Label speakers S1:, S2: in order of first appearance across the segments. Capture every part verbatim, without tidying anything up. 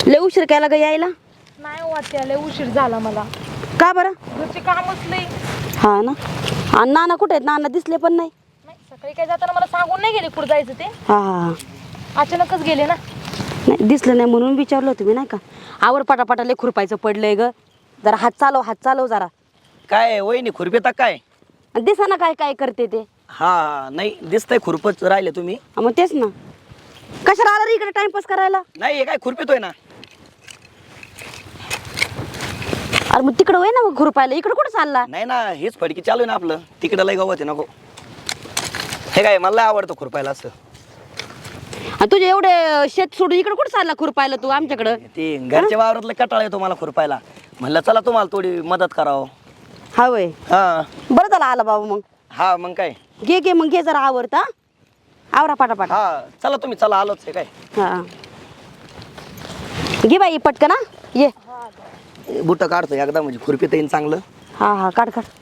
S1: लय उशीर केला ग यायला?
S2: नाही वाटते लय उशीर झाला मला.
S1: का बरं?
S2: घरचे कामच लई.
S1: हा ना. आणि नाना कुठे आहेत? नाना दिसले पण नाही.
S2: नाही सकाळी काय जाताना मला सांगून नाही गेले कुठं जायचं ते.
S1: हा हा
S2: अचानकच गेले ना.
S1: नाही दिसलं नाही म्हणून विचारलं तुम्ही नाही का. आवर पटापटा लय खुरपायचं पडलंय ग. जरा हात चालव हात चालव जरा.
S3: काय वहिनी खुरपेता काय?
S1: दिसा ना काय काय करते ते.
S3: हा नाही दिसतंय खुरपच राहिले तुम्ही.
S1: हा, मग तेच ना. कशाला आला रे इकडे टाइमपास करायला?
S3: नाही हे काय खुरपितोय ना.
S1: अरे मग तिकडं होय ना मग खुरपायला, इकडे कुठं चालला?
S3: नाही ना हेच फडकी चालू आहे ना आपलं. तिकडं लय गवत आहे नको. हे काय मला लय आवडतं खुरपायला असं.
S1: आणि तुझे एवढे शेत सोडून इकडे कुठं चालला खुरपायला तू आमच्याकडं?
S3: ते घरच्या वावरातलं कटाळा येतो मला खुरपायला. म्हणलं चला तुम्हाला थोडी मदत करावं.
S1: हा वय
S3: हा
S1: बरं झालं आला बाबा. मग
S3: हा मग काय.
S1: घे घे मग घे जरा आवरता. आवरा पाटापाटा.
S3: हा चला तुम्ही चला आलोच आहे काय.
S1: हा घे बाई पटकन हा ये.
S3: बुट काढतो एकदा म्हणजे खुरपीत येईन चांगलं.
S1: हा हा काढ काढ.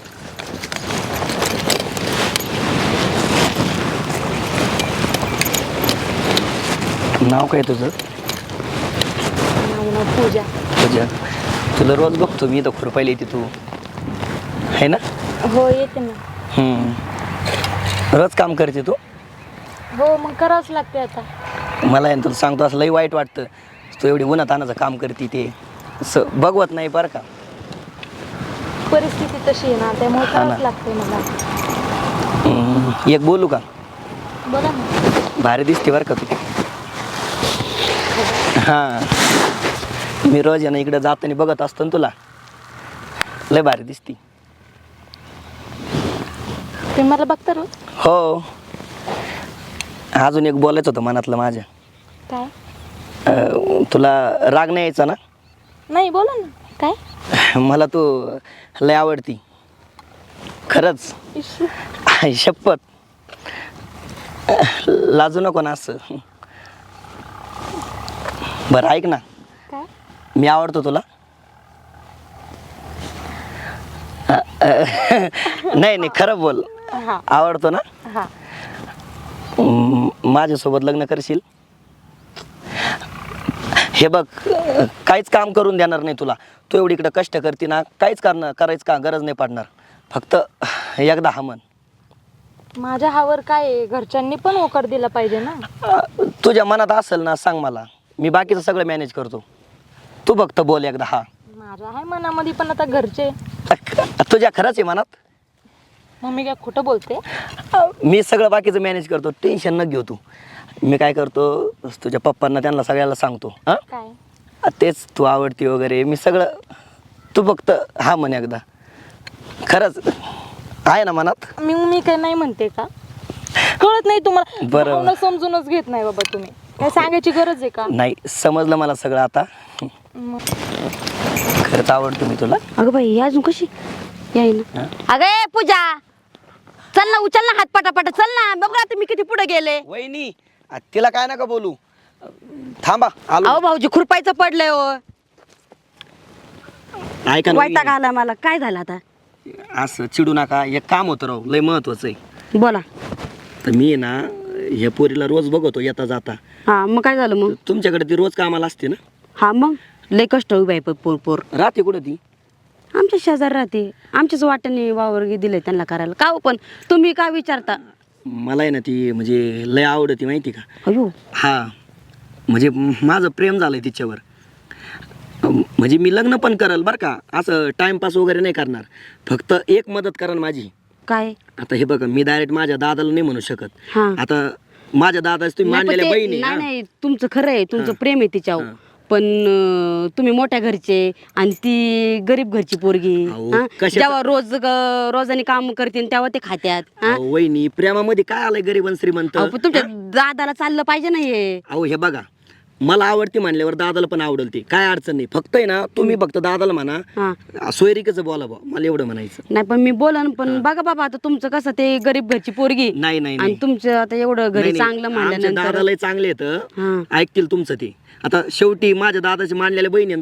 S3: नाव काय तुझं?
S1: नाव नाव पूजा.
S3: तुझ्या तुला रोज बघतो मी इथं खुरपायला येते तू है ना.
S2: हो येते ना.
S3: हम्म रोज काम करते तू.
S2: हो मग करावंच लागते आता.
S3: मला आहे ना तुला सांगतो असं लई वाईट वाटतं. तू एवढी उन्हातानाचं काम करते ते असं बघवत नाही बरं का.
S2: परिस्थिती तशी आहे ना त्यामुळे
S3: हा ना.
S2: करावंच लागते मला.
S3: हम्म, एक बोलू का?
S2: बघा ना.
S3: भारी दिसते बरं का तू. हां मी रोज आहे ना इकडे जाताना बघत असतो ना तुला. लय भारी दिसती.
S2: तुम्ही मला बघता रोज?
S3: हो अजून एक बोलायचं होतं मनातलं माझ्या.
S2: काय?
S3: अं, तुला राग नाही यायचा ना?
S2: नाही बोला ना. काय?
S3: मला तू लय आवडती खरंच.
S2: इश.
S3: आई शपथ. लाजू नको ना असं. बरं ऐक ना.
S2: काय?
S3: मी आवडतो तुला. नाही नाही खरं बोल.
S2: हा
S3: आवडतो ना.
S2: हा.
S3: म, माझ्यासोबत लग्न करशील? हे बघ काहीच काम करून देणार नाही तुला. तू एवढी इकडं कष्ट करते ना काहीच करणं करायचं का गरज नाही पडणार. फक्त एकदा हा म्हण.
S2: माझ्या हावर काय आहे? घरच्यांनी पण होकार दिला पाहिजे ना.
S3: अं, तुझ्या मनात असेल ना सांग मला. मी बाकीचं सगळं मॅनेज करतो. तू फक्त बोल एकदा हा.
S2: माझ्या आहे मनामध्ये पण आता घरचे.
S3: तुझ्या खरंच आहे मनात.
S2: मग मी काय खोटं बोलते?
S3: मी सगळं बाकीचं मॅनेज करतो. टेन्शन न घेऊ तू. मी काय करतो तुझ्या पप्पांना त्यांना सगळ्याला सांगतो. हां
S2: काय?
S3: तेच तू आवडती वगैरे मी सगळं. तू फक्त हा म्हण एकदा. खरंच आहे ना मनात.
S2: मी मी काय नाही म्हणते का? कळत नाही तुम्हाला?
S3: बरं.
S2: भावना समजूनच घेत नाही बाबा तुम्ही. काय सांगायची गरज आहे का?
S3: नाही समजलं मला सगळं आता.
S2: मग
S3: खरंच आवडतो मी तुला.
S1: अगं बाई ही अजून कशी याय ना. अगं ए, पूजा चल ना उचल ना हात पटापटा चल ना. बघ आता मी किती पुढे गेले.
S3: वहिनी आ, तिला काय नका बोलू. थांबा आलो.
S1: अहो भाऊजी खुरपायचं पडलंय हो.
S3: ऐका ना
S1: वैताग
S3: वहिनी.
S1: आला मला. काय झालं आता?
S3: असं चिडू नका. एक काम होतं राव लय महत्वाचं आहे.
S1: बोला.
S3: तर मी ना ह्या पोरीला रोज बघतो येता जाता.
S1: हा मग काय झालं मग?
S3: तुमच्याकडे ती रोज कामाला असते ना.
S1: हा मग लय कष्ट उभी आहे पोर पोर.
S3: राहते कुठं ती?
S1: आमच्या शेजार राहते. आमच्याच वाट्याने वावर दिले त्यांना करायला. का हो पण तुम्ही काय विचारता?
S3: मला आहे ना ती म्हणजे लय आवडती माहिती का.
S1: अयो
S3: हा म्हणजे माझं प्रेम झालंय तिच्यावर. अं, म्हणजे मी लग्न पण करल बरं का. असं टाइमपास वगैरे नाही करणार. फक्त एक मदत करा माझी.
S1: काय?
S3: आता हे बघा मी डायरेक्ट माझ्या दादाला नाही म्हणू शकत.
S1: हा.
S3: आता माझ्या दादाच तुम्ही
S1: नाही, पण
S3: मांडलेल्या
S1: ते-
S3: बहिणी
S1: नाही
S3: हा.
S1: नाही तुमचं खरं आहे. तुमचं
S3: हा.
S1: प्रेम आहे तिच्यावर.
S3: हा.
S1: पण अं, तुम्ही मोठ्या घरचे आणि ती गरीब घरची पोरगी.
S3: अहो,
S1: हा?
S3: कशाचं-
S1: जेव्हा रोज ग- रोजाने काम करते तेव्हा ते खात्यात. हा?
S3: अहो, वहिनी प्रेमामध्ये काय आलंय गरीब आणि श्रीमंत.
S1: अहो, पण तुमच्या दादाला चाललं पाहिजे ना हे.
S3: अहो हे बघा मला आवडते म्हणल्यावर दादाला पण आवडेल ते काय अडचण नाही. फक्त आहे ना तुम्ही फक्त दादाला म्हणा
S1: हा
S3: सोयरीकच बोला बा. मला एवढं म्हणायचं.
S1: नाही पण मी बोलन पण बघा बाबा आता तुमचं कसं ते गरीब घरची पोरगी
S3: नाही नाही
S1: आणि
S3: नाही
S1: तुमचं आता एवढं घरी
S3: नाही, नाही.
S1: चांगलं
S3: आमच्या
S1: म्हणल्यानंतर
S3: दादाला चांगले येतं.
S1: हा
S3: ऐकतील तुमचं ते. आता शेवटी माझ्या दादाचे मानलेल्या बहिणी आणि तुम्ही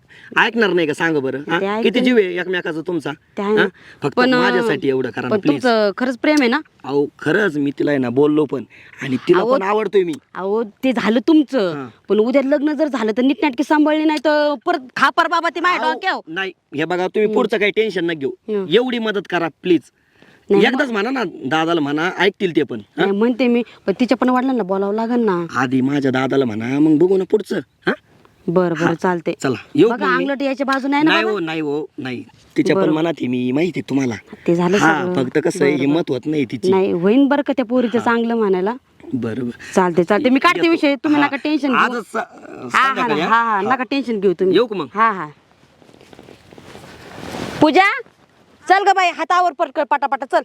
S3: ऐकणार नाही का सांग बरं हा?
S1: ते ऐकते.
S3: किती जीव आहे एकमेकाचा तुमचा
S1: ते आहे ना.
S3: हा? फक्त
S1: पण, अं,
S3: माझ्यासाठी एवढं करा ना
S1: पण
S3: प्लीज.
S1: तुमचं खरंच प्रेम आहे ना?
S3: अहो खरंच मी तिला आहे ना बोललो पण आणि तिला
S1: अहो,
S3: पण आवडतोय मी.
S1: अहो ते झालं तुमचं,
S3: हा.
S1: पण उद्या लग्न जर झालं तर नीटनाटकी सांभाळली नाही तर परत खापर बाबा ते माझ्या
S3: अहो,
S1: डोक्यावर.
S3: नाही हे बघा तुम्ही पुढचं काही टेन्शन न घेऊ
S1: हं.
S3: एवढी मदत करा प्लीज.
S1: नाही,
S3: एकदाच म्हणा ना दादाला म्हणा ऐकतील ते पण हा?
S1: नाही म्हणते मी, पण तिच्या पण वडिलांना बोलावं लागेल ना.
S3: आधी माझ्या दादाला म्हणा मग बघू ना पुढचं हा
S1: बरं बरं चालते.
S3: चला येऊ
S1: बघा
S3: मग मी.
S1: अंगलट याच्या बाजू नाही ना
S3: नाही
S1: बाबा?
S3: हो नाही हो नाही तिच्या पण
S1: बरं.
S3: मनात आहे मी माहिती आहे तुम्हाला.
S1: ते झालं
S3: हा
S1: सगळं.
S3: फक्त कसं आहे
S1: बरं,
S3: हिंमत होत नाही तिची.
S1: नाही होईन बरं का त्या पोरीचं चांगलं म्हणायला.
S3: बरोबर
S1: चालते चालते मी काढते विषय, तुम्ही
S3: हा.
S1: नका टेन्शन घेऊ.
S3: आजच स-
S1: हा हा
S3: संध्याकाळी,
S1: हा
S3: हा?
S1: हा नका टेन्शन घेऊ तुम्ही.
S3: येऊ का मग?
S1: हा हा. पूजा चल ग बाई, हातावर पटकन पटापटा चल.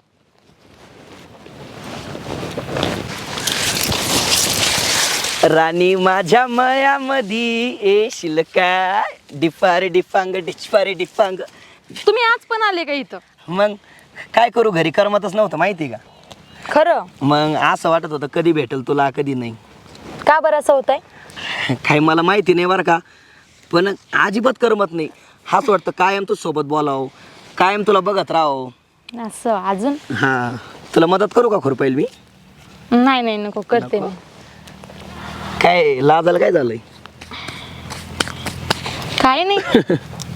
S3: राणी माझ्या मयामधी येशील काय डिफार डिफांग डिचफारे डिफांग.
S2: तुम्ही आज पण आले का इथं?
S3: मग काय करू घरी करमतच नव्हतं माहिती का.
S2: खरं?
S3: मग असं वाटत होतं कधी भेटेल तुला कधी नाही.
S2: का बरं असं होत आहे?
S3: काही मला माहिती नाही बरं का, पण अजिबात करमत नाही. हाच वाटतं कायम तू सोबत बोलाव, कायम तुला बघत राहो.
S2: असं अजून?
S3: हा तुला मदत करू का खुरपाईल मी?
S2: नाही नाही नको, करते मी.
S3: काय लाजाला काय झालंय?
S2: काय नाही.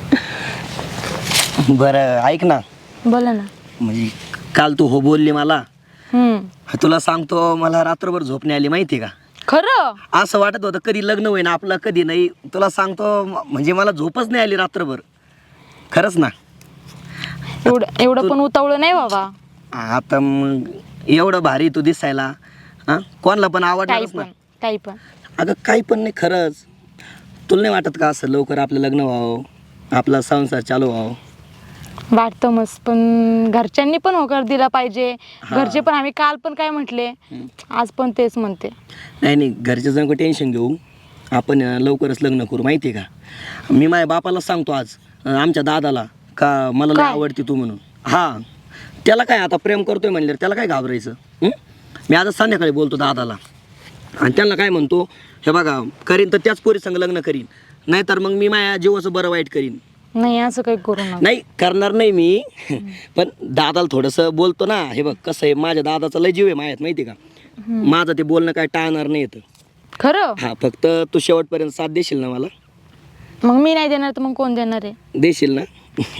S3: बरं ऐक ना,
S2: बोला ना.
S3: म्हणजे काल तू हो बोलली मला,
S2: हम्म.
S3: तुला सांगतो मला रात्रभर झोप नाही आली माहिती का.
S2: खरं?
S3: असं वाटत होतं कधी लग्न होईन आपलं कधी नाही. तुला सांगतो म- म्हणजे मला झोपच नाही आली रात्रभर. खरंच ना.
S2: एवढं एवढं पण उतावळं नाही बाबा.
S3: आता मग एवढं भारी तू दिसायला हा कोणाला पण
S2: काही
S3: आवडणारच ना.
S2: पण काही पण.
S3: अगं काही पण नाही खरंच. तुला नाही वाटत का असं लवकर आपलं लग्न व्हावं, आपला संसार चालू व्हावं?
S2: वाटतं मस्त, पण घरच्यांनी पण होकार दिला पाहिजे. घरचे पण, आम्ही काल पण काय म्हटले, आज पण तेच म्हणते.
S3: नाही नाही घरचे जण टेन्शन घेऊ, आपण अं, लवकरच लग्न करू माहिती आहे का. मी माझ्या बापाला सांगतो आज अं, आमच्या दादाला का मला लय
S2: काय?
S3: आवडते तू म्हणून. हां त्याला काय आता प्रेम करतोय म्हणल्यावर त्याला काय घाबरायचं. हं? मी आता संध्याकाळी बोलतो दादाला आणि त्यांना काय म्हणतो, हे बघा करीन तर त्याच पोरी संग लग्न करीन, नाहीतर मग मी माझ्या जीवाचं बरं वाईट करीन.
S2: नाही असं काही करू नका.
S3: नाही करणार नाही मी पण दादाला थोडंसं बोलतो ना. हे बघ कसं आहे, माझ्या दादाचा लय जीव आहे मायात माहिती का. माझं ते बोलणं काय टाळणार नाही येतं.
S2: खरं?
S3: हा फक्त तू शेवटपर्यंत साथ देशील ना मला?
S2: मग मी नाही देणार तर मग कोण देणार आहे?
S3: देशील ना?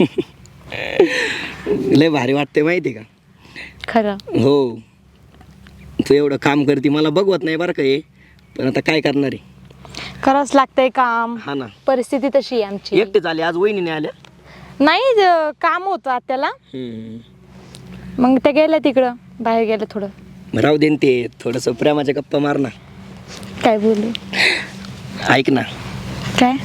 S3: लय भारी वाटते माहिती का.
S2: खरं?
S3: हो तू एवढं काम करते मला बघवत नाही बरं का हे, पण आता काय करणार आहे.
S2: करावंच लागतंय काम.
S3: हा ना.
S2: परिस्थिती तशी आहे आमची.
S3: एकटे झाले आज वहिनीने आल्या.
S2: नाही ज- काम होतं आत्याला,
S3: हम्म.
S2: मग त्या गेल्या तिकडं, बाहेर गेल्या थोडं.
S3: राहू दे न ते थोडंसं प्रेमाच्या गप्पा मार ना.
S2: काय बोलू?
S3: ऐक ना
S2: काय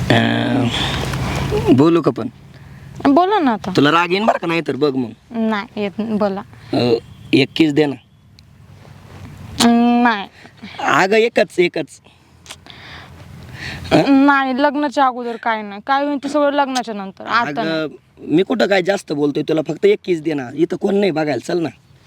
S3: अं, बोलू का पण?
S2: बोला ना आता.
S3: तुला राग येईन बरं का, नाही तर बघ मग
S2: नाही येत नाही, बोला.
S3: अं, एक किस दे ना.
S2: नाही
S3: अगं एकच एकच.
S2: नाही, लग्नाच्या अगोदर काय नाही, काय होईल ते सगळं लग्नाच्या नंतर, आता नाही.
S3: अगं मी कुठं काय जास्त बोलतोय, तुला फक्त एक किस दे ना. इथं कोण नाही बघायला, चल ना.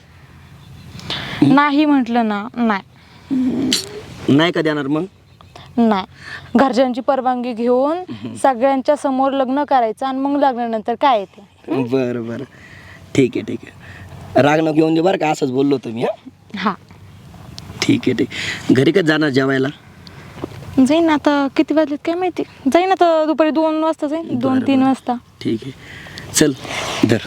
S2: नाही म्हटलं ना, नाही
S3: नाही का देणार मग?
S2: नाही. घरच्यांची परवानगी घेऊन सगळ्यांच्या समोर लग्न करायचं आणि मग लग्नानंतर काय येते.
S3: बरं बरं ठीक आहे ठीक आहे. राग नको घेऊन दे बरं का, असंच बोललो तुम्ही. हा
S2: हा
S3: ठीक आहे ठीक आहे. घरी कधी जाणार जेवायला?
S2: जाईन आता, किती वाजलेत काय माहिती, जाईन आता दुपारी दोन वाजता जाईन, दोन
S3: बरं,
S2: तीन
S3: बरं.
S2: वाजता.
S3: ठीक आहे चल धर.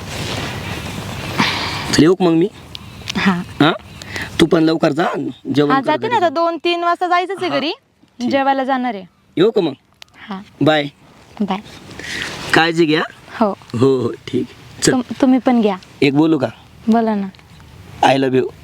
S3: चल येऊ का मग मी?
S2: हा
S3: हां तू पण लवकर जा जेवण
S2: हा
S3: कर
S2: जाते ना
S3: घरी.
S2: आता, दोन तीन वाजता जायचंच आहे
S3: हा,
S2: घरी,
S3: ठीक.
S2: जेवायला जाणार आहे.
S3: येऊ का मग?
S2: हा
S3: बाय.
S2: बाय.
S3: काळजी घ्या.
S2: हो
S3: हो हो ठीक आहे चल.
S2: तुम- तुम्ही पण घ्या.
S3: एक बोलू का?
S2: बोला ना.
S3: I love you.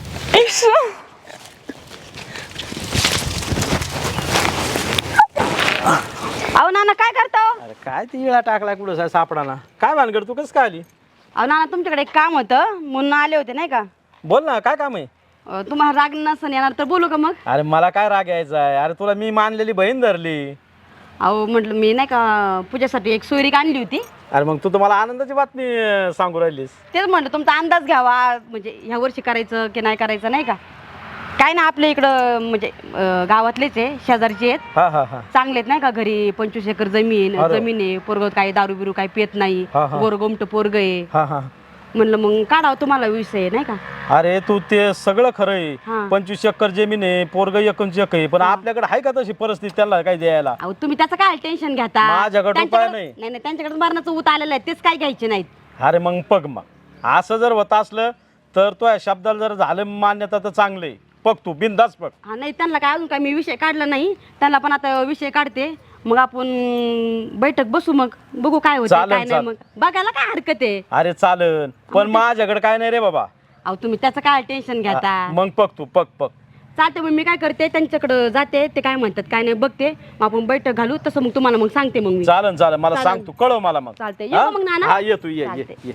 S1: अहो नाना काय करता हो?
S4: अरे काय ती इळा टाकला कुठं सा- सापडाना. काय भानगड, तू कसं काय आली?
S1: अहो नाना तुमच्याकडे एक काम होतं म्हणून आले होते नाही का.
S4: बोल ना, काय काम आहे?
S1: अं, तुम्हाला राग नसन येणार तर बोलू का मग?
S4: अरे मला काय राग यायचा आहे? अरे तुला मी मानलेली बहीण धरली.
S1: अहो म्हटलं मी नाही का पूजासाठी एक सोयरीक आणली होती,
S4: अरे मग तू तुम्हाला आनंदाची बातमी अं, सांगू राहिलीस.
S1: तेच म्हटलं तुमचा अंदाज घ्यावा, म्हणजे ह्या वर्षी करायचं की नाही करायचं नाही का. काय ना आपल्या इकडं म्हणजे अं, गावातलेच आहे, शेजारचे आहेत,
S4: हा हा हा
S1: चांगलेत नाही का. घरी पंचवीस एकर जमीन
S4: अरे.
S1: जमीन आहे, पोरग काही दारू बिरू काही पित नाही,
S4: हा, हा.
S1: गोरगोमट पोरग आहे.
S4: हा हा
S1: म्हणलं मग काढावं तुम्हाला विषय नाही का.
S4: अरे तू ते सगळं खरं
S1: हा.
S4: आहे. पंचवीस एकर जमीन आहे, पोरग एकोणीस एकर आहे, पण आपल्याकडे आहे का तशी परिस्थिती त्याला काय द्यायला?
S1: अहो तुम्ही त्याचं काय टेन्शन घेता.
S4: माझ्याकडं उपाय
S1: त्यांच्याकडं-
S4: नाही.
S1: नाही नाही त्यांच्याकडे मरणाचं ऊत आलेलं आहे, तेच काय घ्यायचे नाहीत.
S4: अरे मग पग मग असं जर होत असलं तर तो या शब्दाला जर झालं मान्यता तर चांगले पग तू बिंदास पग.
S1: हा नाही त्यांना काय अजून काय मी विषय काढला नाही, त्यांना पण आता विषय काढते. मग आपण बैठक बसू, मग बघू काय होतं
S4: चालेल,
S1: काय नाही.
S4: चालेल.
S1: मग बघायला काय हरकत आहे.
S4: अरे चालन, पण माझ्याकडे काय नाही रे बाबा.
S1: अहो तुम्ही त्याचं काय टेन्शन घेता.
S4: मग पग तू पग पग.
S1: चालते मग मी काय करते, त्यांच्याकडं जाते, ते काय म्हणतात काय नाही बघते, मग आपण बैठक घालू. तसं मग तुम्हाला मग सांगते मग मी.
S4: चालन चालन, मला
S1: चालेल.
S4: सांग तू, कळव मला मग.
S1: चालतंय. येऊ
S4: हा?
S1: का मग नाना?
S4: हा ये तू ये ये
S1: चालतंय.
S4: ये.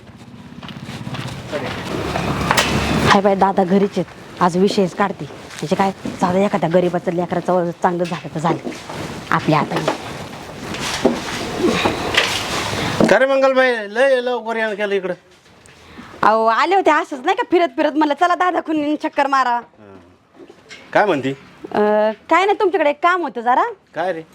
S1: हाय बाय दादा घरीच आहेत, आज विषयच काढते. म्हणजे काय चालू एखाद्या गरीबाचं लेकराचं चांगलं झालं तर झालं आपल्या हाताने.
S5: खरे मंगलबाई लय लवकर यायला केलं इकडं.
S1: अहो आले होते असंच नाही का फिरत फिरत, म्हणलं चला दादा कुणी चक्कर मारा.
S5: काय म्हणती?
S1: अं, काय नाही तुमच्याकडे एक काम होतं जरा.
S5: काय रे?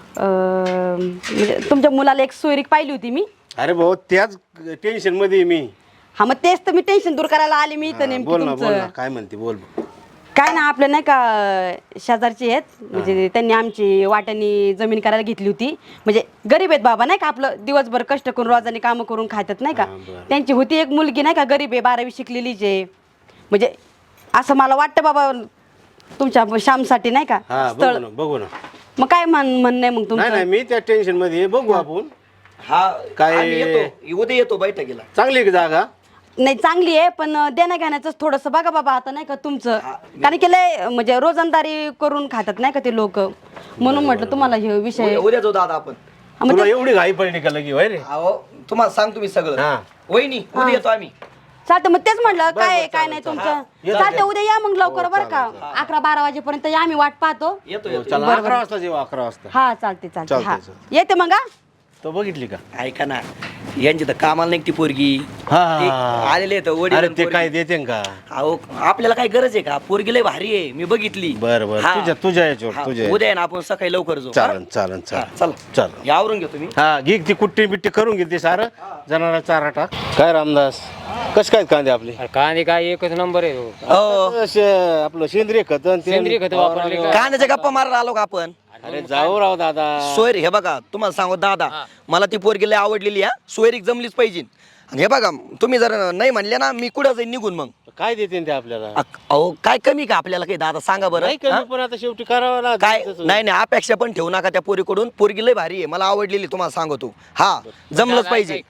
S1: अं, म्हणजे तुमच्या मुलाला एक सोयरीक पाहिली होती मी.
S5: अरे भाऊ त्याच टेन्शन मध्ये आहे मी.
S1: हा मग तेच तर मी टेन्शन दूर करायला आले मी इथं
S5: हा,
S1: नेमकी
S5: बोल ना बोल ना,
S1: तुमचं.
S5: काय म्हणते बोल.
S1: काय ना आपलं नाही का शेजारची आहेत, म्हणजे त्यांनी आमची वाट्यानी जमीन करायला घेतली होती. म्हणजे गरीब आहेत बाबा नाही का, आपलं दिवसभर कष्ट करून रोजाने कामं करून खातात नाही का.
S5: हा, बरं.
S1: त्यांची होती एक मुलगी नाही का, गरीब आहे, बारावी शिकलेलीच आहे. म्हणजे असं मला वाटतं बाबा तुमच्या श्यामसाठी नाही का
S5: हा
S1: स्थळ.
S5: बघू ना बघू ना.
S1: मग काय म्हण म्हणणं आहे मग
S5: नाही नाही
S1: तुमचं.
S5: मी त्या टेन्शन मध्ये आहे, बघू आपण.
S3: हा
S5: काय-
S3: आम्ही येतो, उद्या येतो बैठकीला.
S5: चांगली आहे का जागा?
S1: नाही चांगली आहे, पण देण्या घेण्याचं थोडंसं बघा बाबा आता नाही का तुमचं. कारण की लय म्हणजे रोजंदारी करून खातात नाही का ते लोक, म्हणून म्हटलं तुम्हाला हे विषय.
S3: उद्या- उद्या जाऊ दादा आपण.
S1: हा, मग
S5: तुला
S1: ते-
S5: एवढी घाई पडली का लगी होय रे?
S3: अहो तुम्हाला सांगतो मी सगळं.
S5: हा.
S3: वहिनी उद्या येतो आम्ही.
S1: चालतं मग तेच म्हटलं
S5: बरं,
S1: काय
S5: बरं,
S1: काय
S5: चालेल,
S1: नाही
S5: चालेल.
S1: तुमचं.
S5: हा.
S1: चालतं उद्या या मग लवकर
S5: हो,
S1: बरं का, अकरा बारा वाजेपर्यंत या, आम्ही वाट पाहतो.
S3: येतो
S5: हो,
S3: येतो.
S5: चला अकरा वाजता जेव्हा अकरा वाजता.
S1: हा चालते चालते.
S5: चालतंय,
S1: हा
S5: चालतंय.
S1: येते मग हा.
S5: तो बघितली का?
S3: ऐका ना, यांची तर कामाला नाही ती पोरगी.
S5: हा.
S3: ते आलेले आहेत वडील
S5: अरे
S3: आणि
S5: ते
S3: पोरगी.
S5: काय देते का?
S3: अहो आपल्याला काय गरज आहे का, पोरगी लय भारी आहे, मी बघितली.
S5: बर बर
S3: हा.
S5: तुझ्या तुझ्या याच्यावर
S3: हा,
S5: तुझ्या
S3: उद्या आहे ना आपण सकाळी लवकर जाऊ.
S5: चालन चालन
S3: हा,
S5: चालन
S3: चला
S5: चालन.
S3: यावरून घेतो मी.
S5: हा घे ती कुट्टी बिट्टी करून घेते सारं जनाला चारा टाक. काय रामदास कस काय कांदे आपले?
S6: अरे कांदे काय एकच नंबर आहे तो.
S3: हो
S5: असे आपलं सेंद्रिय खत आणि ते-
S6: सेंद्रिय खत वापरले का?
S3: कांद्याच्या गप्पा मारायला आलो का आपण.
S5: अरे जाऊ राव दादा.
S3: सोयरी हे बघा तुम्हाला सांगू दादा, मला ती पोरगी लय आवडलेली. हा सोयरीक जमलीच पाहिजे. आणि हे बघा तुम्ही जर नाही म्हणले ना, मी कुठं जाईन निघून मग.
S5: काय देते ते आपल्याला?
S3: अक- अहो काय कमी का आपल्याला काही दादा सांगा बरं.
S5: नाही
S3: हा?
S5: कमी पण आता शेवटी करावं लागतं
S3: काय
S5: तसं.
S3: नाही नाही अपेक्षा पण ठेवू नका त्या पोरीकडून. पोरगी लय भारी आहे, मला आवडलेली तुम्हाला सांगतो. हा जमलंच पाहिजे.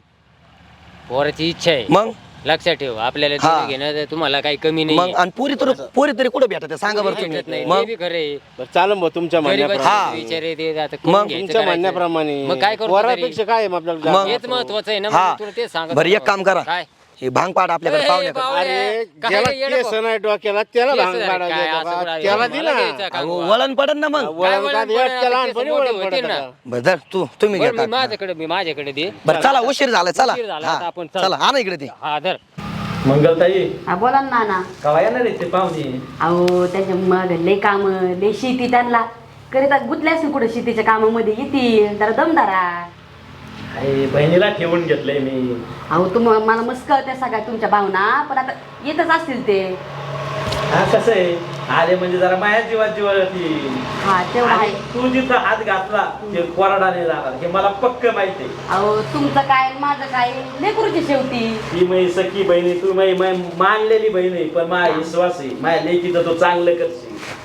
S6: पोराची इच्छा आहे,
S3: मग
S6: लक्षात ठेव. आपल्याला
S3: हा.
S6: देणं घेणं तर तुम्हाला काही कमी
S3: मग
S6: नाही.
S3: आणि पोरी तर पोरी तरी कुठं भेटत सांगा बरं
S6: भेटत
S3: तुम्ही.
S6: नाही,
S3: मग
S6: ते बी खरं आहे.
S5: बरं, चालेल मग तुमच्या
S6: गरीबाचे
S5: म्हणण्याप्रमाणे.
S6: विचार आहे ते आता
S3: मग
S6: करून घ्यायचं,
S5: तुमच्या
S6: करायचं.
S5: म्हणण्याप्रमाणे
S6: मग काय करतो
S5: पोरापेक्षा काय आहे मग आपल्याला जागा?
S3: मग.
S6: हेच महत्वाचं आहे ना.
S3: हा
S6: मग तुला तेच सांगत
S3: बरं
S6: होतो.
S3: एक काम करा,
S6: काय
S3: हे भांग पाड आपल्याकडे
S6: ए,
S3: पाहुण्याकडे.
S6: बावळ्या.
S5: अरे
S6: काय
S5: ज्याला
S6: रे, येडं
S5: केस
S6: भाऊ.
S5: नाही डोक्याला त्याला
S6: केस
S5: भांग
S6: नाही,
S5: पाडायला
S6: काय
S5: देतो
S6: असं
S5: का?
S6: कुठं
S5: त्याला
S6: आहे?
S5: दे
S6: मला
S5: ना.
S6: द्यायचं का?
S3: अहो, वळण पडन ना मग.
S5: वळण
S6: वळण
S5: का
S6: पडन?
S5: एक त्याला
S6: आता
S5: लहानपणी
S6: केस
S5: वळण
S6: मोठे
S5: पडतं
S6: होतील
S5: का?
S6: ना.
S3: बरं धर, तू तुम्ही
S6: बरं, मी
S3: घ्या
S6: माझ्याकडे मी माझ्याकडे दे.
S3: बरं चला उशीर झाला चला.
S6: उशीर झाला,
S3: हा,
S6: आता आपण चल.
S3: चला हा ना इकडे ते.
S6: हा धर.
S4: मंगलताई
S1: हा बोला ना नाना.
S4: कवा येणार आहे ते पाहुणे?
S1: अहो त्याच्या मग लय काम लय शेती त्यांना करीता गुतल्या असेल कुठं शेतीच्या कामामध्ये, येतील जरा दमदारा.
S4: अरे बहिणीला ठेवून घेतलंय मी.
S1: अहो तुम मला मस्त कळत्या सगळ्या तुमच्या भावना, पण आता येतच असतील ते.
S4: हा कसं आहे, आले म्हणजे जरा माया जीवात जीवा येतील.
S1: हा तेवढं
S4: आणि
S1: आहे.
S4: तू जिथं हात घातला ते कोरडाने जाणार हे मला पक्क माहिती आहे.
S1: अहो तुमचं काय आणि माझं काय लेकरूची शेवटी.
S4: ही माझी सखी बहिणी तू माझी माझी मानलेली बहीण आहे, पण माझा विश्वास आहे माझ्या लेकीचं तो चांगलं करशील.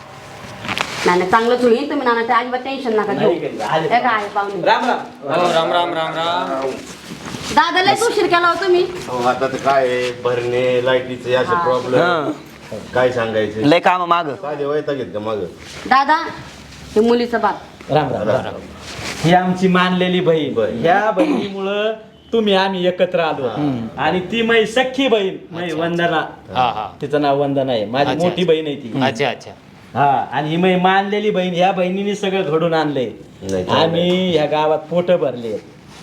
S1: नाही नाही चांगलंच होईल. तुम्ही नाना त्या अजिबात टेन्शन नका घेऊ.
S4: नाही काही, आले.
S1: हे काय पाहुणे
S4: राम राम.
S6: हो राम राम राम राम.
S1: दादा लय उशीर केला होता मी.
S5: हो, आता तर काय आहे, भरणे लाईटीचे असे
S1: हा.
S5: प्रॉब्लेम काय सांगायचे.
S3: लय काम माग.
S5: काय देवायता घेत का माग?
S1: दादा हे मुलीचा बाप.
S4: राम राम राम. ही आमची मानलेली बहीण.
S5: बहीण.
S4: ह्या बहिणीमुळं तुम्ही आम्ही एकत्र आलो. आणि ती माझी सख्खी बहीण माझी वंदना.
S6: हा हा.
S4: तिचं नाव वंदना आहे, माझी
S6: अच्छा,
S4: मोठी
S6: अच्छा.
S4: बहीण आहे ती.
S6: अच्छा अच्छा.
S4: हा आणि ही माझी मानलेली बहीण. ह्या बहिणीने सगळं घडून आणलंय.
S5: नाही, चांगलं.
S4: आम्ही ह्या गावात पोट भरले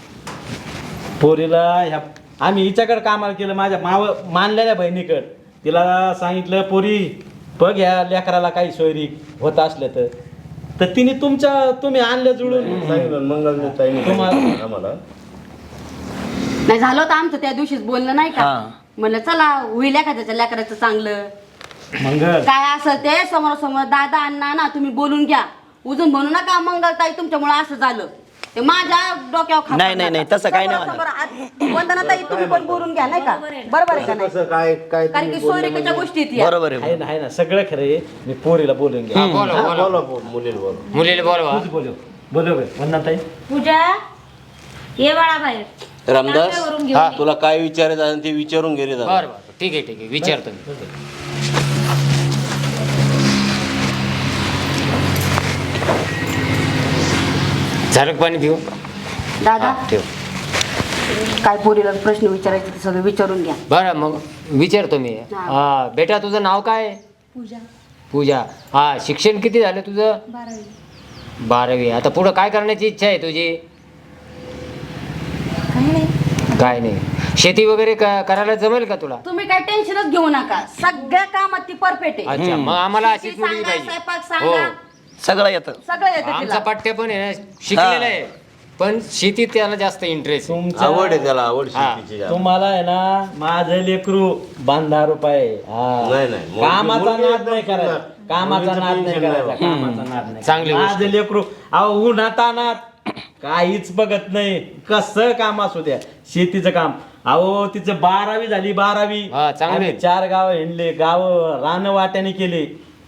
S4: पोरीला. ह्या आम्ही हिच्याकडे कामाला केलं, माझ्या माव मानलेल्या बहिणीकडे. तिला सांगितलं पोरी बघ या लेकराला काही सोयरी होत असलं तर तर तिने तुमच्या तुम्ही आणलं जुळून
S5: सांगितलं मंगल
S4: तुम्हाला-
S5: आम्हाला
S1: नाही झालं होतं आमचं त्या दिवशीच बोलणं नाही का
S3: हा.
S1: म्हणलं चला होईल एखाद्याच्या लेकराचं चांगलं
S4: मंगल
S1: काय असं ते समोर समोर दादा अण्णा ना तुम्ही बोलून घ्या उजून म्हणू नका मंगलताई तुमच्यामुळे असं झालं ते माझ्या डोक्यावर खापर
S3: नाही, नाही, नाही,
S1: नका.
S3: तसं काही नाही
S1: समोर- समोर आत- वंदनाताई तुम्ही पण बोलून घ्या नाही का बरोबर आहे का नाही
S5: कसं काय काय
S1: कारण की सोयरेकाच्या गोष्टी आहेत या.
S3: बरोबर आहे
S4: आहे ना आहे ना सगळं खरं आहे मी पोरीला बोलून घ्या
S6: बोला बोला
S5: बोला बोल, मुलीला बोला
S6: मुलीला बोलवा
S4: तूच बोलव बोलव वंदनाताई
S7: पूजा ये बाळा बाहेर
S8: रामदास
S7: वरून घेऊन
S6: हा.
S8: तुला काय विचारायचं आहे ते विचारून घे रे दादा.
S6: बरं बरं ठीक आहे ठीक आहे विचारतो मी झालं का पाणी पिऊ
S1: दादा
S6: ठेव
S1: काय पोरीला प्रश्न विचारायचे ते सगळं विचारून घ्या
S6: बरं मग विचारतो मी हा बेटा तुझं नाव काय आहे?
S7: पूजा
S6: पूजा हा शिक्षण किती झालं तुझं
S7: बारावी
S6: बारावी आता पुढं काय करण्याची इच्छा आहे तुझी
S7: काही नाही
S6: काय नाही शेती वगैरे क- करायला जमेल का तुला
S1: तुम्ही काय टेन्शनच घेऊ नका सगळ्या कामात ती परफेक्ट आहे
S6: अच्छा मग आम्हाला
S1: शेती
S6: अशीच मुलगी
S1: सांगा, स्वयंपाक
S6: पाहिजे हो
S1: सांगा
S3: सगळं येतं
S1: सगळं येतं
S6: आमचा
S1: तिला
S6: पाठ्य पण आहे ना शिकलेला आहे पण शेतीत त्याला जास्त इंटरेस्ट
S4: तुमच्या
S5: आवड आहे त्याला आवड
S6: हा.
S5: शेतीची जास्त.
S4: तुम्हाला आहे ना माझं लेकरू बांधा रुपये
S5: नाही, नाही. मुलगी-
S4: कामाचा
S5: मुलगी
S4: नाद
S5: एकदम
S4: नाही करायचा
S5: सुंदर.
S4: कामाचा
S5: मुलीचं
S4: नाद नाही
S5: टेन्शन नाही
S4: करायचा कामाचा नाद नाही
S6: चांगली गोष्ट.
S4: माझं लेकरू अहो उन्हात अनात काहीच बघत नाही कसं काम असू द्या शेतीचं काम अहो तिचं बारावी झाली बारावी
S6: हा, चांगलं आहे.
S4: आम्ही चार गाव हिंडले गाव रान वाट्याने केले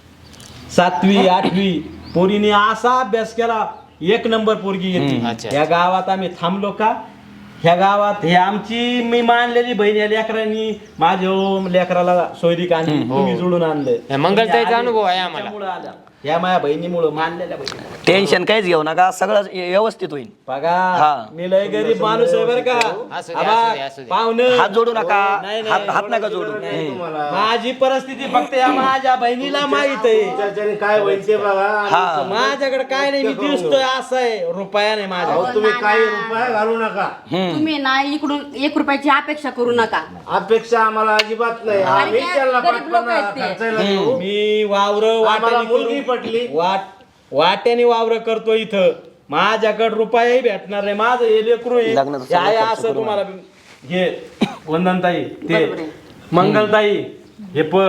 S4: सातवी आठवी पोरीने असा अभ्यास केला एक नंबर पोरगी येते
S6: अच्छा.
S4: या गावात आम्ही थांबलो का ह्या गावात हे आमची मी मानलेली बहीण या लेकरांनी माझ्या लेकराला सोयरीक आणली तुम्ही जुळून आणलं
S6: या मंगलताईचा अनुभव आहे आम्हाला.
S4: त्यामुळं आला. या माझ्या बहिणीमुळं मानलेल्या बहिणी
S3: टेन्शन काहीच घेऊ नका सगळं व्यवस्थित होईल
S4: बघा
S3: हा.
S4: मी लय गरीब माणूस आहे बरं का
S6: असू दे,
S4: आबा,
S6: असू दे, असू दे.
S4: पाहुणं
S3: हात जोडू नका
S4: नाही, नाही.
S3: हात हात नका जोडू
S5: नाही तुम्हाला
S4: माझी परिस्थिती फक्त या माझ्या बहिणीला माहित आहे
S5: त्याच्याने काय होईल ते बघा आणि
S3: हा.
S4: माझ्याकडे काय नाही मी दिसतोय असं आहे रुपया नाही माझ्या
S5: अहो, तुम्ही काही रुपया घालू नका
S1: तुम्ही ना इकडून एक रुपयाची अपेक्षा करू नका
S5: अपेक्षा आम्हाला अजिबात नाही आम्ही
S1: काय
S5: त्याला
S1: गरीब लोकं
S5: पटकन
S1: आहेत ते.
S5: खर्चायला देऊ.
S4: मी वावर
S5: आम्हाला मुलगी पटली.
S4: वाट वाट्याने वावर करतो इथं माझ्याकडे रुपयाही भेटणार नाही माझं हे लेकरू आहे.
S3: लग्नाचं
S4: हे आहे
S3: सगळं खर्च
S4: असं
S3: करून
S4: तुम्हाला हे वंदनताई ते
S1: बरोबर आहे.
S4: मंगलताई हे बघ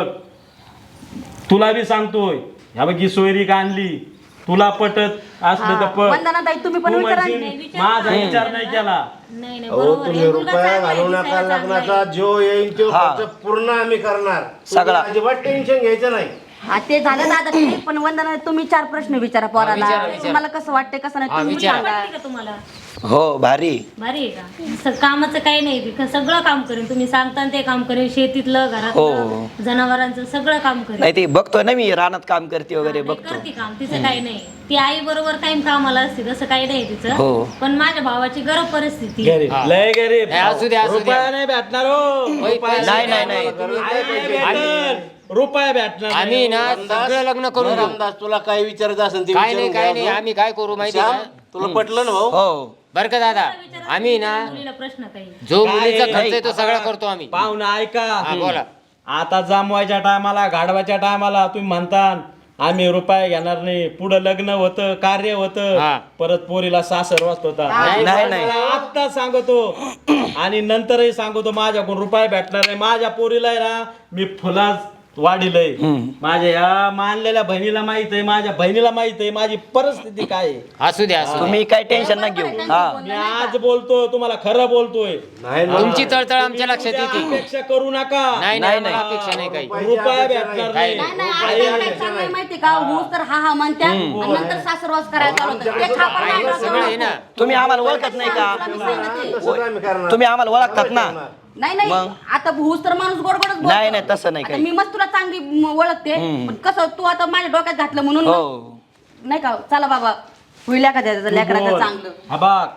S4: तुला बी सांगतोय ह्या बघ ही सोयरीक आणली तुला पटत असलं तर पट
S1: वंदनाताई तुम्ही पण
S4: तू
S1: विचारा
S4: म्हणशील, माझा विचार नाही केला
S7: नाही नाही
S5: अहो
S7: बरोबर
S5: तुम्ही
S7: आहे. मुलगा
S5: रुपया
S7: चांगला आहे,
S5: घालू नका
S7: दिसायला चांगला आहे.
S5: लग्नाचा जो येईल तो
S3: हा.
S5: खर्च पूर्ण आम्ही करणार
S3: सगळा.
S5: तुम्ही अजिबात टेन्शन घ्यायचं नाही
S1: हा, ते झालं दादा ठीक, पण वंदना तुम्ही चार प्रश्न विचारा पोराला
S6: विचारा, विचारा.
S1: तुम्हाला कसं वाटतंय कसं नाही
S6: हा,
S1: तुम्ही
S6: विचारा.
S1: सांगा
S7: वाटते का तुम्हाला
S3: हो भारी
S7: भारी आहे का स- कामाचं काही नाही ती सगळं काम करेन तुम्ही सांगता ते काम करेन शेतीतलं घरातलं जनावरांचं सगळं काम करेन
S3: नाही ते बघतोय ना मी रानात काम करते वगैरे
S7: नाही,
S3: बघतो
S7: करते काम तिचं काही नाही ती आई बरोबर काही कामाला असते तसं काही नाही तिचं
S3: हो.
S7: पण माझ्या भावाची गरज परिस्थिती
S4: गरीब लय गरीब
S6: हे असू द्या, असू द्या.
S4: रुपया नाही भेटणार हो
S6: होय,
S4: रुपया
S3: नाही नाही नाही
S4: नाही भेटणार. रुपया भेटणार नाही.
S6: आम्ही ना सगळं लग्न करून घेऊ
S8: रामदास तुला काय विचारायचं असेल ते
S6: काय नाही
S8: विचारून
S6: काय
S8: घ्या
S6: नाही
S8: अजून.
S6: आम्ही काय करू माहिती
S8: श्याम,
S6: का
S8: तुला पटलं ना भाऊ
S3: हो
S6: बरं का दादा आम्ही ना
S7: मुलीला प्रश्न काही
S6: जो
S4: काय
S6: मुलीचा खर्च आहे तो
S4: नाही.
S6: सगळा करतो आम्ही
S4: पाहुणा ऐका
S6: हा, बोला.
S4: आता जामवायच्या टायमाला गाडवाच्या टायमाला तुम्ही म्हणता आम्ही रुपये घेणार नाही पुढं लग्न होतं कार्य होतं
S6: हा.
S4: परत पोरीला सासर वाचत होता
S3: नाही, नाही.
S4: आता सांगतो आणि नंतरही सांगतो माझ्याकडून रुपये भेटणार नाही माझ्या पोरीला आहे ना मी फुलाच वाढीलय माझ्या या मानलेल्या बहिणीला माहित आहे माझ्या बहिणीला माहित आहे माझी परिस्थिती काय आहे
S6: असू द्या असू द्या
S3: तुम्ही काय टेन्शन नका घेऊ हा
S4: मी आज बोलतो तुम्हाला खरं बोलतोय
S5: नाही ना.
S6: तुमची तळतळ आमच्या लक्षात
S4: उद्या
S6: येते
S4: अपेक्षा करू नका
S6: नाही
S3: नाही,
S6: नाही
S3: नाही.
S6: अपेक्षा नाही काही
S4: रुपया भेटणार
S6: काही
S4: नाही
S1: नाही नाही आता काय चाललंय माहिती का हो तर हा हा म्हणत्या आणि नंतर सासरवास करायला चालू होतं. ते खापर
S6: आहे,
S1: नाही
S6: सगळं आहे ना
S3: तुम्ही आम्हाला ओळखत नाही का
S5: तसंच आम्ही करणार.
S3: तुम्ही आम्हाला ओळखतात ना
S1: नाही नाही आता भूस तर माणूस गोड गोडच बोलतो.
S3: नाही, नाही, तसं नाही
S1: आता
S3: काही.
S1: मी मस्त तुला चांगली म- ओळखते पण कसं तू आता माझ्या डोक्यात घातलं म्हणून
S3: हो
S1: नाही का चला बाबा होईल एखाद्या लेकराचं चांगलं
S4: हा बाग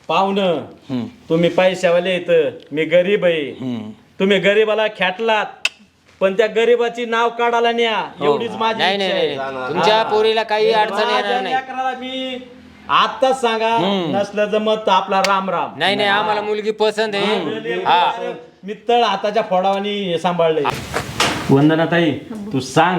S4: पाहुणं तुम्ही पैशावाले येत मी गरीब आहे तुम्ही गरीबाला खेटलात पण त्या गरीबाची नाव काढायला न्या एवढीच माझी
S6: नाही
S4: इच्छा
S6: नाही
S4: आहे.
S6: नाही तुमच्या पोरीला काही अडचण
S4: माझ्या
S6: येणार नाही
S4: लेकराला मी आताच सांगा नसलं जमत तर आपला राम राम
S6: नाही नाही आम्हाला मुलगी पसंत आहे हा
S4: मी तळ हाताच्या फोडावानी हे सांभाळले वंदनाताई तू सांग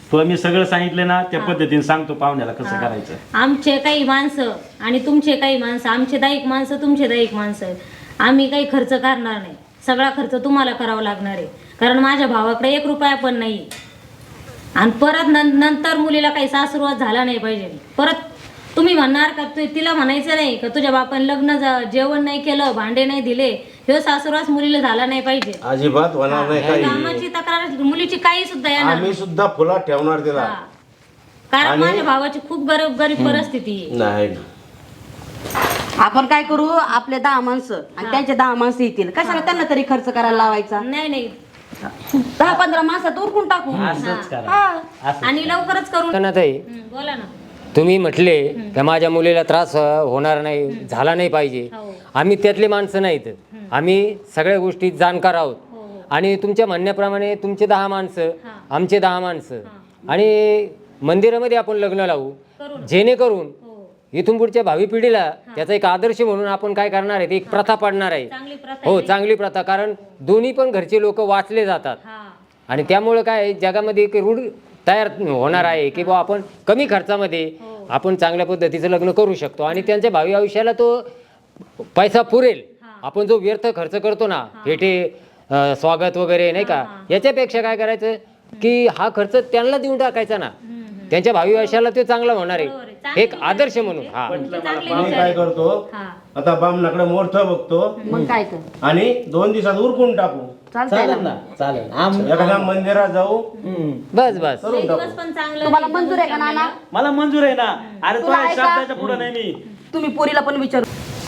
S4: तुला मी सगळं सांगितलं ना त्या पद्धतीने सांगतो पाहुण्याला कसं करायचं.
S7: आमचे काही माणसं आणि तुमचे काही माणसं, आमचे दाईक माणसं तुमचे दाईक माणसं, आम्ही काही खर्च करणार नाही. सगळा खर्च तुम्हाला करावा लागणार आहे, कारण माझ्या भावाकडे एक रुपया पण नाही. आणि परत नं नंतर मुलीला काही सासुरवाद झाला नाही पाहिजे. परत तुम्ही म्हणणार का तू तिला म्हणायचं नाही का तुझ्या बापाने लग्न जा- जेवण नाही केलं, भांडे नाही दिले, हे सासुरवास मुलीला झाला नाही पाहिजे.
S8: अजिबात होणार नाही काही.
S7: कामाची तक्रार मुलीची काही सुद्धा येणार
S8: आम्ही
S7: नाही.
S8: सुद्धा फुलात ठेवणार तिला.
S7: हा. कारण माझ्या भावाची खूप गरीब गरीब परिस्थिती आहे.
S8: नाही ना.
S1: आपण काय करू, आपले दहा माणसं आणि त्यांचे दहा माणसं येतील, कशाला त्यांना तरी खर्च करायला लावायचा.
S7: नाही नाही
S1: दहा पंधरा माणसात उरकून टाकू.
S4: असंच करा.
S1: हा.
S7: आणि लवकरच करून
S6: ताई
S7: हं, बोला ना.
S6: तुम्ही म्हटले की माझ्या मुलीला त्रास अ, होणार नाही, झाला नाही पाहिजे.
S7: हो.
S6: आम्ही त्यातले माणसं नाहीत, आम्ही सगळ्या गोष्टी जाणकार आहोत.
S7: हो, हो.
S6: आणि तुमच्या म्हणण्याप्रमाणे तुमचे दहा माणसं, आमचे दहा माणसं, आणि मंदिरामध्ये आपण लग्न लावू, जेणेकरून
S7: हो.
S6: इथून पुढच्या भावी पिढीला त्याचा एक आदर्श म्हणून आपण काय करणार आहे, एक प्रथा पाडणार आहे.
S7: चांगली प्रथा
S6: हो,
S7: आहे.
S6: चांगली प्रथा. कारण दोन्ही पण घरचे लोक वाचले जातात,
S7: हा.
S6: आणि त्यामुळे काय आहे, जगामध्ये एक रूढ तयार होणार आहे की बा आपण कमी खर्चामध्ये आपण चांगल्या पद्धतीचं लग्न करू शकतो, आणि त्यांच्या भावी आयुष्याला तो पैसा पुरेल. आपण जो व्यर्थ खर्च करतो ना, भेटे, अ, स्वागत वगैरे नाही का, याच्यापेक्षा काय करायचं की हा खर्च त्यांना देऊन टाकायचा ना, त्यांच्या भावी आयुष्याला तो चांगला होणार आहे, एक आदर्श म्हणून. हा
S8: मी काय करतो,
S7: हा.
S8: आता बामणाकडे मोठं बघतो
S1: मग काय तर
S8: आणि दोन दिवसात उरकून टाकू.
S1: चालतंय
S4: चालेल
S1: ना.
S4: ना, चालेल. आम-
S8: एखाद्या मंदिरात जाऊ.
S6: बस बस.
S7: लई दिवस पण चांगलं
S1: तुम्हाला मंजूर आहे का नाना?
S4: मला मंजूर आहे ना. अरे
S1: तुला
S4: तो
S1: आहे का?
S4: शब्दाच्या पुढे नाही मी.
S1: तुम्ही पोरीला पण विचारू.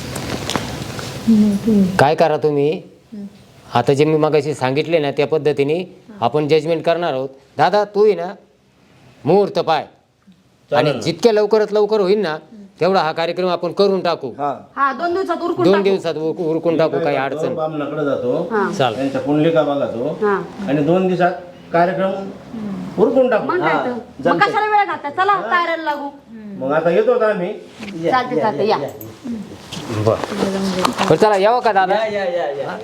S6: काय करा तुम्ही, आता जे मी मगाशी सांगितले ना त्या पद्धतीने आपण जजमेंट करणार आहोत. दादा तू आहे ना मुहूर्त पाय, आणि जितक्या लवकरात लवकर होईल ना तेवढा हा कार्यक्रम आपण करून टाकू.
S3: हा
S1: हा दोन दिवसात उरकून
S6: दोन
S1: टाकू.
S6: दिवसात उर- उरकून टाकू, काही अडचण.
S8: बामणाकडे जातो,
S1: हा.
S6: चाल.
S8: त्यांच्या पुंडलिका बघतो
S1: हा.
S8: आणि दोन दिवसात कार्यक्रम उरकून टाकू.
S1: मग काय तर. मग कशाला वेळ घालता, चला तयारीला लागू.
S8: मग आता येतो का आम्ही.
S1: चालते चालते या.
S6: बरं चला, यावं का दादा?
S4: या या या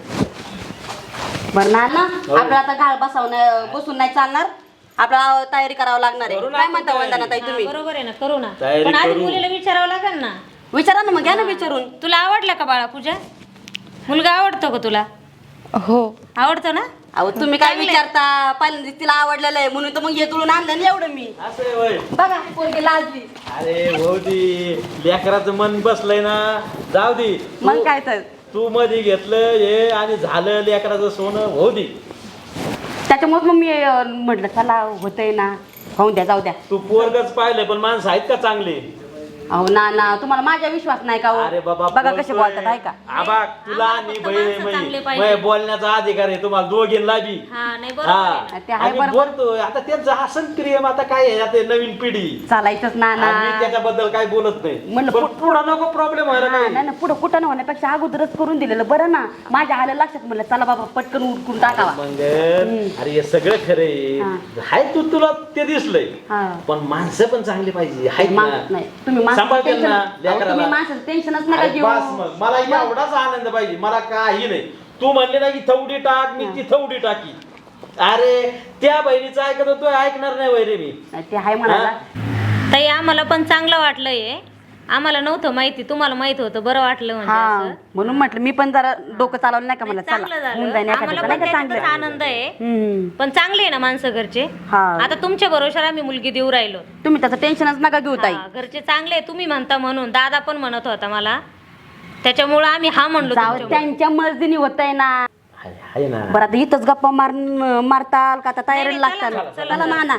S1: बरं नाना, आपल्याला आता गाळ बसवण्या बसून नाही चालणार, आपल्याला तयारी करावं लागणार आहे. काय म्हणता वंदना ताई तुम्ही?
S7: बरोबर आहे ना, करू ना.
S4: तयारी
S7: पण आधी
S4: करू.
S7: मुलीला विचारावं लागेल ना.
S1: विचारा ना, मग घ्या ना विचारून.
S7: तुला आवडला का बाळा पूजा? मुलगा आवडतो का तुला?
S2: हो.
S7: आवडतो ना?
S1: अहो तुम्ही काय विचारता, पहिल्यांदा तिला आवडलेलं आहे म्हणून तर मग हे तुळून आणलं ना एवढं मी.
S4: असं आहे होय.
S1: बघा पोरगी लाजली.
S4: अरे भाऊ ती लेकराचं मन बसलंय ना, जाऊ दे.
S1: मग काय तर.
S4: तू मध्ये घेतलं हे आणि झालं लेकराचं सोनं, होऊ दे.
S1: त्याच्यामुळे मग मी अं, म्हटलं चला होतंय ना, होऊन द्या, जाऊ द्या.
S4: तू पोरगच पाहिलंय, पण माणसं आहेत का चांगली?
S1: अहो ना ना, तुम्हाला माझ्या विश्वास नाही का हो?
S4: अरे बाबा
S1: बघा
S4: बोलतोय.
S1: कसे बोलतात, आहे का?
S4: आबा तुला
S7: आम्हाला
S4: आणि
S7: फक्त
S4: बहीण
S7: माणसं चांगले
S4: आहे
S7: पाहिजे.
S4: मई. मई बोलण्याचा अधिकार आहे तुम्हाला दोघींना बी.
S7: हा नाही बरोबर आहे ना.
S4: हा
S1: ते आहे
S4: आणि
S1: बरोबर.
S4: बोलतोय आता त्यांचं हसन क्रियम आता काय आहे आता नवीन पिढी.
S1: चालायचंच ना ना.
S4: आणि मी त्याच्याबद्दल काय बोलत नाही,
S1: म्हणलं
S4: पण
S1: पुढं-
S4: पुढं नको प्रॉब्लेम व्हायला
S1: हा,
S4: काही.
S1: नाही ना, पुढं कुठं न होण्यापेक्षा अगोदरच करून दिलेलं बरं ना. माझ्या आलं लक्षात, म्हणलं चला बाबा पटकन उरकून टाकावा.
S4: मग अरे हे सगळं खरे हाय, तू तुला ते दिसलंय,
S1: हा.
S4: पण माणसं पण चांगली पाहिजे आहेत ना.
S1: माणूस नाही, तुम्ही माणसाचं
S4: सांभाळते
S1: टेन्शन-
S4: ना
S1: अहो,
S4: लेकराला.
S1: तुम्ही माणसाचं टेन्शनच नका
S4: अरे
S1: घेऊ.
S4: बस मग, मला एवढाच आनंद पाहिजे, मला काही नाही. तू म्हणले ना की थवडी टाक, मी ती थवडी टाकी. अरे त्या बहिणीचं ऐकत होतो, ऐकणार नाही वैरे मी.
S1: ते आहे म्हणाला.
S7: ताई आम्हाला पण चांगलं वाटलंय. आम्हाला नव्हतं माहिती, तुम्हाला माहित होतं, बरं वाटलं म्हणजे
S1: हा
S7: असं.
S1: म्हणून म्हटलं मी पण जरा डोकं चालवलं नाही का, मला
S7: चांगलं
S1: चला
S7: झालं.
S1: होऊन जाईन
S7: आम्हाला
S1: एखाद्याचं
S7: पण
S1: नाही का
S7: त्याच्यातच
S1: चांगलं.
S7: आनंद आहे.
S1: हम्म.
S7: पण चांगले आहे ना माणसं घरचे.
S1: हा.
S7: आता तुमच्या भरोशावर आम्ही मुलगी देऊ राहिलो.
S1: तुम्ही त्याचं टेन्शनच नका घेऊ ताई.
S7: हा, घरचे चांगले आहे, तुम्ही म्हणता म्हणून. दादा पण म्हणत होता मला, त्याच्यामुळं आम्ही हा म्हणलो
S1: जाऊ
S7: तुमच्यामुळं.
S1: त्यांच्या मर्जीने होतंय ना.
S4: आहे आहे ना.
S1: बरं आता इथंच गप्पा मार मारताल का आता तयारीला
S7: नाही,
S1: लागताल.
S7: चला, चला,
S1: चला ना ना.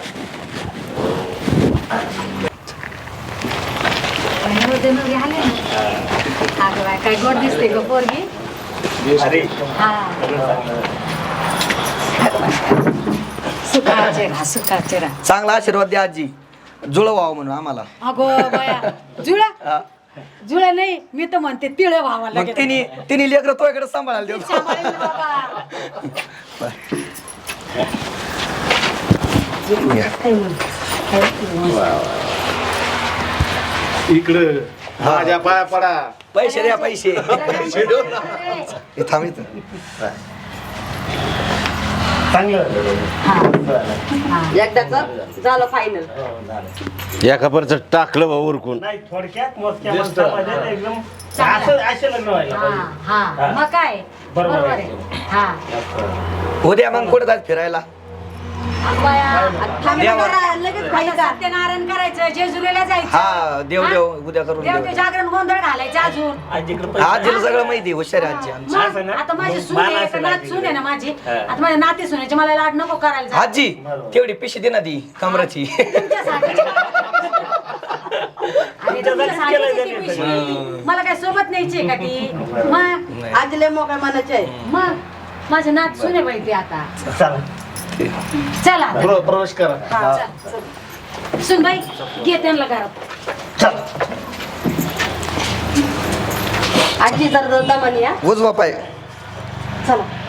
S2: काय गोड दिसते ग पोरगी. सुखाचे राहा, सुखाचे राहा.
S3: चांगला आशीर्वाद द्या आजी, जुळं व्हावं म्हणून आम्हाला.
S2: अगो बया, जुळा जुळा नाही, मी तर म्हणते तिळ व्हावा
S3: मग
S2: लागेल.
S3: तिने तिने लेकरं तो इकडे सांभाळायला देऊ.
S2: सांभाळेल बाबा.
S5: इकडं माझ्या पाया पडा.
S3: पैसे द्या पैसे. हे थांब इथं.
S8: चांगलं झालं.
S1: एकदाच झालं फायनल.
S5: या खबरचं टाकलं भाऊ उरकून.
S8: नाही थोडक्यात मोजक्या माणसामध्ये एकदम असं असे लग्न व्हायला पाहिजे.
S7: मग काय
S8: बरोबर
S7: बरोबर
S8: आहे.
S7: आहे हा
S3: उद्या मग कुठं जात फिरायला?
S1: लगेच
S7: सत्यनारायण करायचं जेजुरीला जायचं
S3: हा देव देव उद्या करून देऊ.
S7: देवते जागरण गोंधळ घालायचं अजून
S8: आजीकडे
S3: आजीला सगळं माहिती हुशार आहे आजी आमची.
S8: असं ना?
S7: आता माझी सून
S8: मान
S7: आहे
S8: असेल
S7: नात
S8: आजीकडे.
S7: सून आहे ना माझी आता माझ्या नाती सुनेची मला लाड नको करायला जा.
S3: आजी तेवढी पिशी दे ना ती कमराची.
S7: तुमच्यासाठी. अरे तुमच्यासाठीच आहे ती पिशवी. मला काय सोबत न्यायची का ती मग
S1: आजीले मोकळ्या मनाचे आहे.
S7: मग माझे नात सुने बाई ती आता
S8: चला
S7: चला
S8: प्र- प्रवेश करा.
S7: हा, चल, चल. सुन बाई घे त्यांना घरात
S1: आजी जर दमानी या
S3: उजवा पाय.
S1: चला